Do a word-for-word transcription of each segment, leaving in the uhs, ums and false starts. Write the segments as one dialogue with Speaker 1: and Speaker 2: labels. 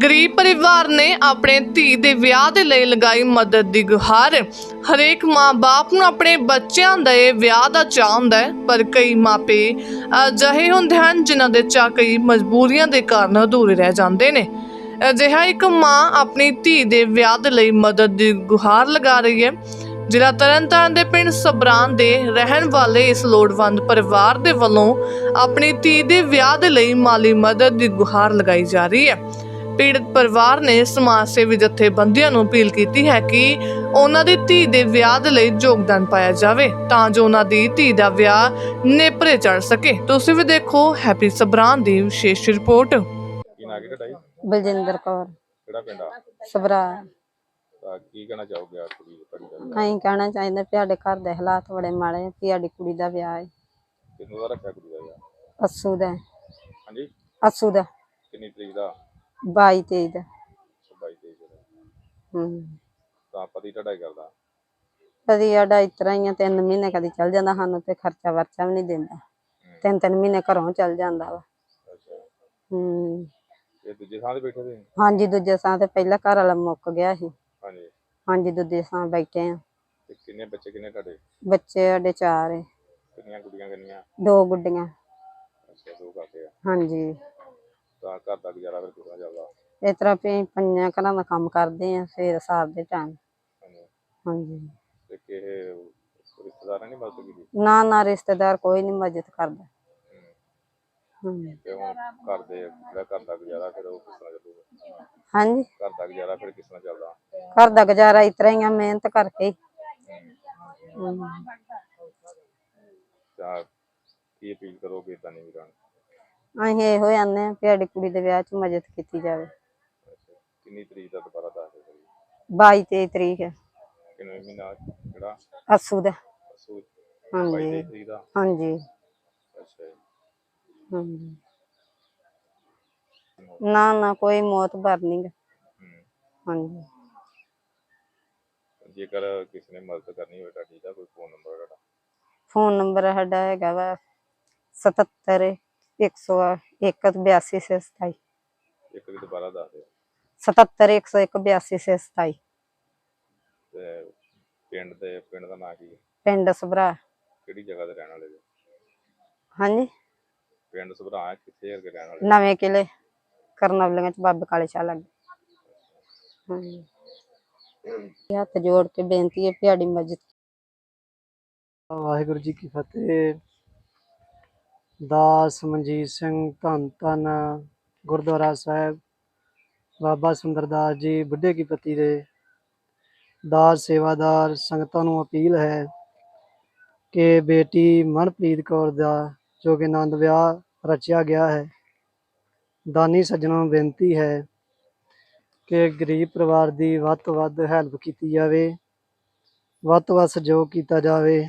Speaker 1: गरीब परिवार ने अपने धी दे विआह दे लई लगाई मदद दी गुहार। हरेक माँ बाप नूं अपने बच्चों दे विआह दा चाਅ हुंदा है, पर कई मापे अजिहे हुंदे हन जिन्हां दे चाਅ कई मजबूरियां दे कारण अधूरे रह जांदे ने। अजिहा एक माँ अपनी धी दे विआह दे लई मदद दी गुहार लगा रही है। जिला तरनताਰਨ ਦੇ ਪਿੰਡ ਸਬਰਾਨ ਦੇ ਰਹਿਣ ਵਾਲੇ ਇਸ ਲੋੜਵੰਦ ਪਰਿਵਾਰ ਦੇ ਵੱਲੋਂ ਆਪਣੀ ਧੀ ਦੇ ਵਿਆਹ ਦੇ ਲਈ ਮਾਲੀ ਮਦਦ ਦੀ ਗੁਹਾਰ ਲਗਾਈ ਜਾ ਰਹੀ ਹੈ। ਪੀੜਤ ਪਰਿਵਾਰ ਨੇ ਸਮਾਜ ਸੇਵੀ ਜਥੇਬੰਦੀਆਂ ਨੂੰ ਅਪੀਲ ਕੀਤੀ ਹੈ ਕਿ ਉਹਨਾਂ ਦੀ ਧੀ ਦੇ ਵਿਆਹ ਦੇ ਲਈ ਯੋਗਦਾਨ ਪਾਇਆ ਜਾਵੇ ਤਾਂ ਜੋ ਉਹਨਾਂ ਦੀ ਧੀ ਦਾ ਵਿਆਹ ਨੇਪਰੇ ਚੜ ਸਕੇ। ਤੁਸੀਂ ਵੀ ਦੇਖੋ ਹੈਪੀ ਸਬਰਾਨ ਦੀ ਵਿਸ਼ੇਸ਼ ਰਿਪੋਰਟ।
Speaker 2: ਬਲਜਿੰਦਰ ਕੌਰ
Speaker 3: ਕਿਹੜਾ ਪਿੰਡ ਆ?
Speaker 2: ਸਬਰਾ।
Speaker 3: ਤਾਂ ਕੀ ਕਹਿਣਾ ਚਾਹੋਗੇ ਆ ਕੁੜੀ ਤੁਹਾਡੀ ਦਾ?
Speaker 2: ਅਸੀਂ ਕਹਿਣਾ ਚਾਹੀਦਾ ਵੀ ਸਾਡੇ ਘਰ ਦੇ ਹਾਲਾਤ ਬੜੇ ਮਾੜੇ ਆ, ਵੀ ਸਾਡੀ ਕੁੜੀ ਦਾ ਵਿਆਹ ਹੈ।
Speaker 3: ਕਿੰਨੂੰ ਦਾ ਰੱਖਿਆ ਕੁੜੀ ਦਾ ਯਾਰ?
Speaker 2: ਅੱਸੂ ਦਾ।
Speaker 3: ਹਾਂਜੀ,
Speaker 2: ਅੱਸੂ ਦਾ
Speaker 3: ਕਿੰਨੀ ਤਰੀਕ ਦਾ?
Speaker 2: ਬਾਈ ਤੇਈ ਦਾ।
Speaker 3: ਬਾਈ ਤਰੀਕ ਦਾ।
Speaker 2: ਹੂੰ
Speaker 3: ਤਾਂ ਪਤੀ ਤੁਹਾਡਾ ਕੀ ਕਰਦਾ?
Speaker 2: ਕਦੀ ਸਾਡਾ ਇਸ ਤਰ੍ਹਾਂ ਹੀ ਆ, ਤਿੰਨ ਮਹੀਨੇ ਕਦੀ ਚੱਲ ਜਾਂਦਾ, ਸਾਨੂੰ ਤੇ ਖਰਚਾ ਵਰਚਾ ਵੀ ਨਹੀਂ ਦਿੰਦਾ। ਤਿੰਨ ਤਿੰਨ ਮਹੀਨੇ ਘਰੋਂ ਚੱਲ ਜਾਂਦਾ ਵਾ।
Speaker 3: ਅੱਛਾ,
Speaker 2: ਹੂੰ
Speaker 3: ਇਹ ਦੂਜੇ ਥਾਂ ਤੇ ਬੈਠੇ ਸੀ?
Speaker 2: ਹਾਂਜੀ, ਦੂਜੇ ਥਾਂ ਤੇ ਪਹਿਲਾਂ ਘਰ ਵਾਲਾ ਮੁੱਕ ਗਿਆ ਸੀ।
Speaker 3: ਹਾਂਜੀ
Speaker 2: ਹਾਂਜੀ, ਦੂਜੇ ਥਾਂ ਬੈਠੇ ਆ।
Speaker 3: ਤੇ ਕਿੰਨੇ ਬੱਚੇ ਕਿੰਨੇ ਤੁਹਾਡੇ?
Speaker 2: ਬੱਚੇ ਸਾਡੇ ਚਾਰ ਹੈ।
Speaker 3: ਕਿੰਨੀਆਂ ਗੁੱਡੀਆਂ ਕਿੰਨੀਆਂ?
Speaker 2: ਦੋ ਗੁੱਡੀਆਂ।
Speaker 3: ਅੱਛਾ, ਦੋ ਕਾਕੇ ਆ।
Speaker 2: ਹਾਂਜੀ,
Speaker 3: ਤਾਂ ਘਰ ਦਾ ਗੁਜ਼ਾਰਾ ਫਿਰ ਕਿਸ ਤਰ੍ਹਾਂ ਚੱਲਦਾ?
Speaker 2: ਇਸ ਤਰ੍ਹਾਂ ਵੀ ਪੰਜਾਂ ਘਰਾਂ ਦਾ ਕੰਮ ਕਰਦੇ ਆ ਸਵੇਰ ਸਾਰ ਦੇ ਟਾਈਮ।
Speaker 3: ਹਾਂਜੀ,
Speaker 2: ਹਾਂਜੀ,
Speaker 3: ਤੇ ਕਿਸੇ ਰਿਸ਼ਤੇਦਾਰਾਂ ਨੇ ਮਦਦ ਕੀਤੀ?
Speaker 2: ਨਾ ਨਾ ਰਿਸ਼ਤੇਦਾਰ ਕੋਈ ਨਹੀਂ ਮਦਦ ਕਰਦਾ। ਹੂੰ
Speaker 3: ਤੇ ਹੁਣ ਘਰ ਦੇ ਜਿਹੜਾ ਘਰ ਦਾ ਗੁਜ਼ਾਰਾ ਫਿਰ ਉਹ ਕਿਸ ਤਰ੍ਹਾਂ ਚੱਲੂਗਾ?
Speaker 2: ਹਾਂਜੀ,
Speaker 3: ਘਰ ਦਾ ਗੁਜ਼ਾਰਾ ਫਿਰ ਕਿਸ ਤਰ੍ਹਾਂ ਚੱਲਦਾ?
Speaker 2: ਘਰ ਦਾ ਗੁਜ਼ਾਰਾ ਇਸ ਤਰ੍ਹਾਂ ਹੀ ਆ, ਮਿਹਨਤ ਕਰਕੇ। ਹੂੰ
Speaker 3: ਤਾਂ ਕੀ ਅਪੀਲ ਕਰੋਗੇ ਤਾਂ ਨਹੀਂ ਵੀਰਾਂ?
Speaker 2: ਅਸੀਂ ਇਹੋ ਆਨੇ ਆ ਵੀ ਸਾਡੀ ਕੁੜੀ ਦੇ ਵਿਆਹ 'ਚ ਮਦਦ ਕੀਤੀ ਜਾਵੇ।
Speaker 3: ਕਿੰਨੀ ਤਰੀਕ ਦਾ ਦੁਬਾਰਾ ਦੱਸ ਦਿਓ?
Speaker 2: ਬਾਈ ਤੇਈ ਤਰੀਕ ਹੈ।
Speaker 3: ਕਿੰਨੇ ਮਹੀਨਾ ਕਿਹੜਾ?
Speaker 2: ਅੱਸੂ ਦਾ।
Speaker 3: ਅੱਸੂ।
Speaker 2: ਹਾਂਜੀ
Speaker 3: ਬਾਈ ਤਰੀਕ ਦਾ।
Speaker 2: ਹਾਂਜੀ।
Speaker 3: ਅੱਛਾ ਜੀ।
Speaker 2: ਹਾਂਜੀ, ਨਾ ਨਾ ਕੋਈ ਮੌਤ ਭਰ ਨੀ ਗਾ। ਹਾਂਜੀ,
Speaker 3: ਜੇਕਰ ਕਿਸੇ ਨੇ ਮਦਦ ਕਰਨੀ ਹੋਵੇ ਤੁਹਾਡੀ ਦਾ ਕੋਈ ਫੋਨ ਨੰਬਰ ਤੁਹਾਡਾ?
Speaker 2: ਫੋਨ ਨੰਬਰ ਸਾਡਾ ਹੈਗਾ ਵਾ ਸਤੱਤਰ ਇੱਕ ਸੌ ਇੱਕ ਬਿਆਸੀ ਛੇ ਸਤਾਈ।
Speaker 3: ਇੱਕ ਵੀ ਦੁਬਾਰਾ ਦੱਸ ਦਿਓ।
Speaker 2: ਸਤੱਤਰ ਇੱਕ ਸੌ ਇੱਕ ਬਿਆਸੀ ਛੇ ਸਤਾਈ।
Speaker 3: ਤੇ ਪਿੰਡ ਦੇ ਪਿੰਡ ਦਾ ਨਾਂ ਕੀ ਹੈ?
Speaker 2: ਪਿੰਡ ਸਭਰਾ।
Speaker 3: ਕਿਹੜੀ ਜਗ੍ਹਾ ਤੇ ਰਹਿਣ ਵਾਲੇ ਹੋ?
Speaker 2: ਹਾਂਜੀ,
Speaker 3: ਪਿੰਡ ਸਭਰਾ ਕਿੱਥੇ ਹੈਗੇ ਰਹਿਣ ਵਾਲੇ?
Speaker 2: ਨਵੇਂ ਕਿਲੇ ਕਰਨਵਲੀਆਂ ਚ ਬਾਬੇ ਕਾਲੇ ਸ਼ਾਹ ਲੱਗੇ। ਹਾਂਜੀ, ਹੱਥ ਜੋੜ ਕੇ ਬੇਨਤੀ ਹੈ ਵੀ ਸਾਡੀ ਮਦਦ।
Speaker 4: ਵਾਹਿਗੁਰੂ ਜੀ ਕੀ ਫਤਿਹ। ਦਾਸ ਮਨਜੀਤ ਸਿੰਘ ਧੰਨ ਧੰਨ ਗੁਰਦੁਆਰਾ ਸਾਹਿਬ ਬਾਬਾ ਸੁੰਦਰਦਾਸ ਜੀ ਬੁੱਢੇ ਕੀ ਪੱਤੀ ਦੇ ਦਾਸ ਸੇਵਾਦਾਰ ਸੰਗਤਾਂ ਨੂੰ ਅਪੀਲ ਹੈ ਕਿ ਬੇਟੀ ਮਨਪ੍ਰੀਤ ਕੌਰ ਦਾ ਜੋ ਕਿ ਆਨੰਦ ਵਿਆਹ ਰਚਿਆ ਗਿਆ ਹੈ, ਦਾਨੀ ਸੱਜਣਾਂ ਨੂੰ ਬੇਨਤੀ ਹੈ ਕਿ ਗਰੀਬ ਪਰਿਵਾਰ ਦੀ ਵੱਧ ਤੋਂ ਵੱਧ ਹੈਲਪ ਕੀਤੀ ਜਾਵੇ, ਵੱਧ ਤੋਂ ਵੱਧ ਸਹਿਯੋਗ ਕੀਤਾ ਜਾਵੇ।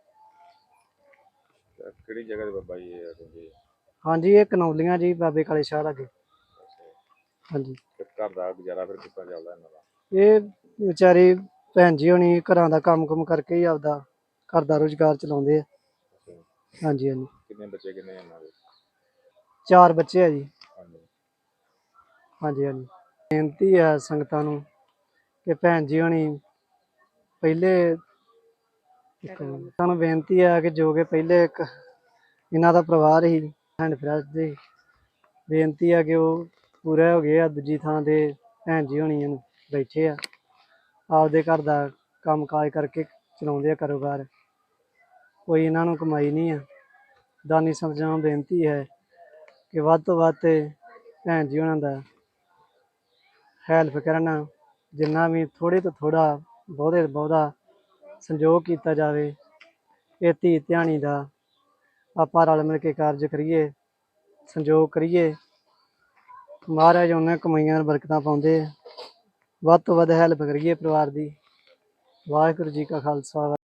Speaker 3: ਕਿਹੜੀ ਜਗ੍ਹਾ ਤੇ ਬਾਬਾ ਜੀ ਇਹ?
Speaker 4: ਹਾਂਜੀ, ਇਹ ਕਨੌਲੀਆਂ ਜੀ ਬਾਬੇ ਕਾਲੇ ਸ਼ਾਹ ਲਾਗੇ। ਹਾਂਜੀ,
Speaker 3: ਘਰ ਦਾ ਗੁਜ਼ਾਰਾ ਫਿਰ ਕਿੱਦਾਂ ਚੱਲਦਾ ਇਹਨਾਂ ਦਾ?
Speaker 4: ਇਹ ਵਿਚਾਰੀ ਭੈਣ ਜੀ ਹੋਣੀ ਘਰਾਂ ਦਾ ਕੰਮ ਕੁਮ ਕਰਕੇ ਹੀ ਆਪਦਾ ਘਰ ਦਾ ਰੁਜ਼ਗਾਰ ਚਲਾਉਂਦੇ ਆ। ਹਾਂਜੀ ਹਾਂਜੀ।
Speaker 3: ਕਿੰਨੇ ਬੱਚੇ ਕਿੰਨੇ ਇਹਨਾਂ ਦੇ?
Speaker 4: ਚਾਰ ਬੱਚੇ ਆ ਜੀ।
Speaker 3: ਹਾਂਜੀ
Speaker 4: ਹਾਂਜੀ ਹਾਂਜੀ। ਬੇਨਤੀ ਹੈ ਸੰਗਤਾਂ ਨੂੰ ਕਿ ਭੈਣ ਜੀ ਹੋਣੀ ਪਹਿਲੇ ਸਾਨੂੰ ਬੇਨਤੀ ਹੈ ਕਿ ਜੋ ਕਿ ਪਹਿਲੇ ਇੱਕ ਇਹਨਾਂ ਦਾ ਪਰਿਵਾਰ ਹੀ ਹੈਂਡ ਫਰੈਸ਼ ਦੇ ਬੇਨਤੀ ਹੈ ਕਿ ਉਹ ਪੂਰੇ ਹੋ ਗਏ ਆ। ਦੂਜੀ ਥਾਂ ਤੇ ਭੈਣ ਜੀ ਹੋਣੀ ਬੈਠੇ ਆ, ਆਪਦੇ ਘਰ ਦਾ ਕੰਮ ਕਾਜ ਕਰਕੇ ਚਲਾਉਂਦੇ ਆ ਕਾਰੋਬਾਰ, ਕੋਈ ਇਹਨਾਂ ਨੂੰ ਕਮਾਈ ਨਹੀਂ ਆ। ਦਾਨੀ ਸੱਜਣਾਂ ਨੂੰ ਬੇਨਤੀ ਹੈ ਕਿ ਵੱਧ ਤੋਂ ਵੱਧ ਭੈਣ ਜੀ ਉਹਨਾਂ ਦਾ ਹੈਲਪ ਕਰਨ, ਜਿੰਨਾ ਵੀ ਥੋੜ੍ਹੇ ਤੋਂ ਥੋੜ੍ਹਾ ਬਹੁਤੇ ਤੋਂ ਬਹੁਤਾ ਸੰਯੋਗ ਕੀਤਾ ਜਾਵੇ। ਇਹ ਧੀ ਧਿਆਣੀ ਦਾ ਆਪਾਂ ਰਲ ਮਿਲ ਕੇ ਕਾਰਜ ਕਰੀਏ, ਸੰਯੋਗ ਕਰੀਏ। ਮਹਾਰਾਜ ਉਹਨਾਂ ਕਮਾਈਆਂ ਬਰਕਤਾਂ ਪਾਉਂਦੇ, ਵੱਧ ਤੋਂ ਵੱਧ ਹੈਲਪ ਕਰੀਏ ਪਰਿਵਾਰ ਦੀ। ਵਾਹਿਗੁਰੂ ਜੀ ਕਾ ਖਾਲਸਾ।